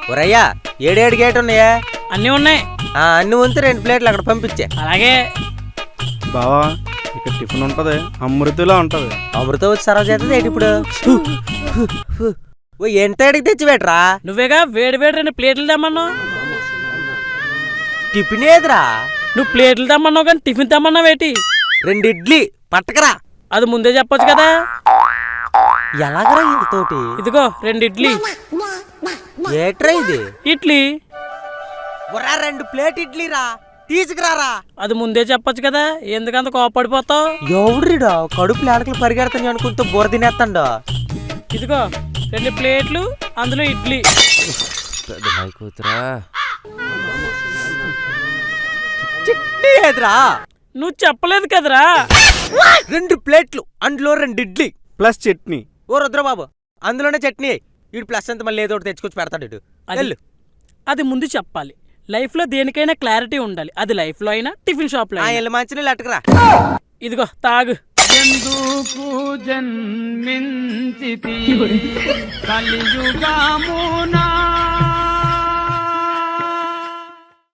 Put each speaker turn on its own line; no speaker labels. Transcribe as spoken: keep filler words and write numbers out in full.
ఒరయ్యా ఏడేడు గేట్ ఉన్నాయా?
అన్నీ ఉన్నాయి.
అన్ని ఉంటే రెండు ప్లేట్లు అక్కడ పంపించే.
అలాగే
బావా ఇక్కడ టిఫిన్ ఉంటది, అమృతిలా ఉంటది.
అమృతం వచ్చి సర్వ్ చేస్తుంది ఏంటి ఇప్పుడు? ఓ ఎంత అడిగి తెచ్చిపెట్టరా?
నువ్వేగా వేడి వేడి రెండు ప్లేట్లు తెమ్మన్నావు.
టిఫిన్ ఏదిరా?
నువ్వు ప్లేట్లు తెమ్మన్నావు కానీ టిఫిన్ తెమ్మన్నావు ఏంటి?
రెండు ఇడ్లీ పట్టకరా.
అది ముందే చెప్పొచ్చు కదా.
ఎలాగరా ఇంతతోటి?
ఇదిగో రెండు ఇడ్లీ.
ఏట్రా ఇది?
ఇడ్లీ.
ఒరా రెండు ప్లేట్ ఇడ్లీ రా, తీసుకురారా.
అది ముందే చెప్పొచ్చు కదా, ఎందుకంత కోపడిపోతావు?
ఎవడ్రీడా కడుపు లేడకలు పరిగెడతాను అనుకుంటూ బుర్ర తినేస్తాడు.
ఇదిగో రెండు ప్లేట్లు, అందులో ఇడ్లీ.
కూతురా చట్నీ ఏదిరా?
నువ్వు చెప్పలేదు కదరా.
రెండు ప్లేట్లు, అందులో రెండు ఇడ్లీ
ప్లస్ చట్నీ.
ఓ రుద్రబాబు అందులోనే చట్నీ. ఇటు ప్లస్ అంత మళ్ళీ ఏదో ఒకటి తెచ్చుకొచ్చి పెడతాడు ఇటు.
అది అది ముందు చెప్పాలి. లైఫ్ లో దేనికైనా క్లారిటీ ఉండాలి. అది లైఫ్ లో అయినా టిఫిన్ షాప్ లో అయినా.
మంచి నీళ్ళు అట్టుకురా.
ఇదిగో తాగు.
ఎందుకు జన్మించితి కలియుగమున